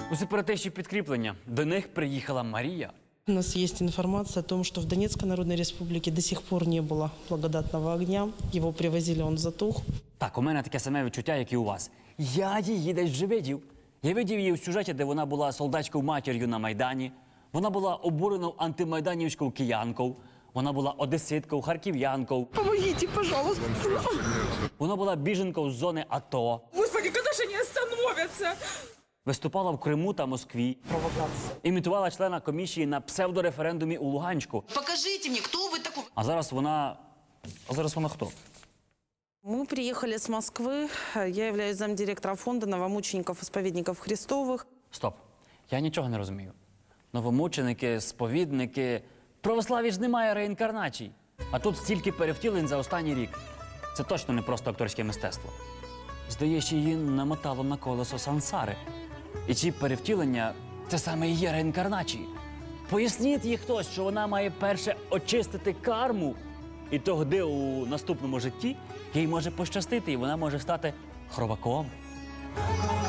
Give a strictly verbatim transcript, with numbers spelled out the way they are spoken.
У сепаратистів підкріплення. До них приїхала Марія. У нас есть информация о том, что в Донецкой Народной Республике до сих пор не было благодатного огня. Его привозили, он затух. Так, у мене таке саме відчуття, як і у вас. Я її десь вже видів. Я видів її в сюжеті, де вона була солдатською матір'ю на Майдані. Вона була обуреною антимайданівською киянкою. Вона була одеситкою, харків'янкою. Помогите, пожалуйста. Вона була біженкою з зони АТО. Господи, когда же они остановятся? Виступала в Криму та Москві. Провокация. Імітувала члена комісії на псевдореферендумі у Луганську. Покажите мне, кто вы такой? А зараз вона... А зараз вона хто? Мы приехали с Москвы. Я являюсь замдиректора фонда новомучеников-исповедников Христовых. Стоп. Я нічого не розумію. Новомученики, сповідники... Православі ж немає реінкарнацій. А тут стільки перевтілень за останній рік. Це точно не просто акторське мистецтво. Здається, її намотало на колесо сансари. І ці перевтілення – це саме і є реінкарнації. Поясніть їй хтось, що вона має перше очистити карму. І тоді у наступному житті їй може пощастити, і вона може стати хробаком.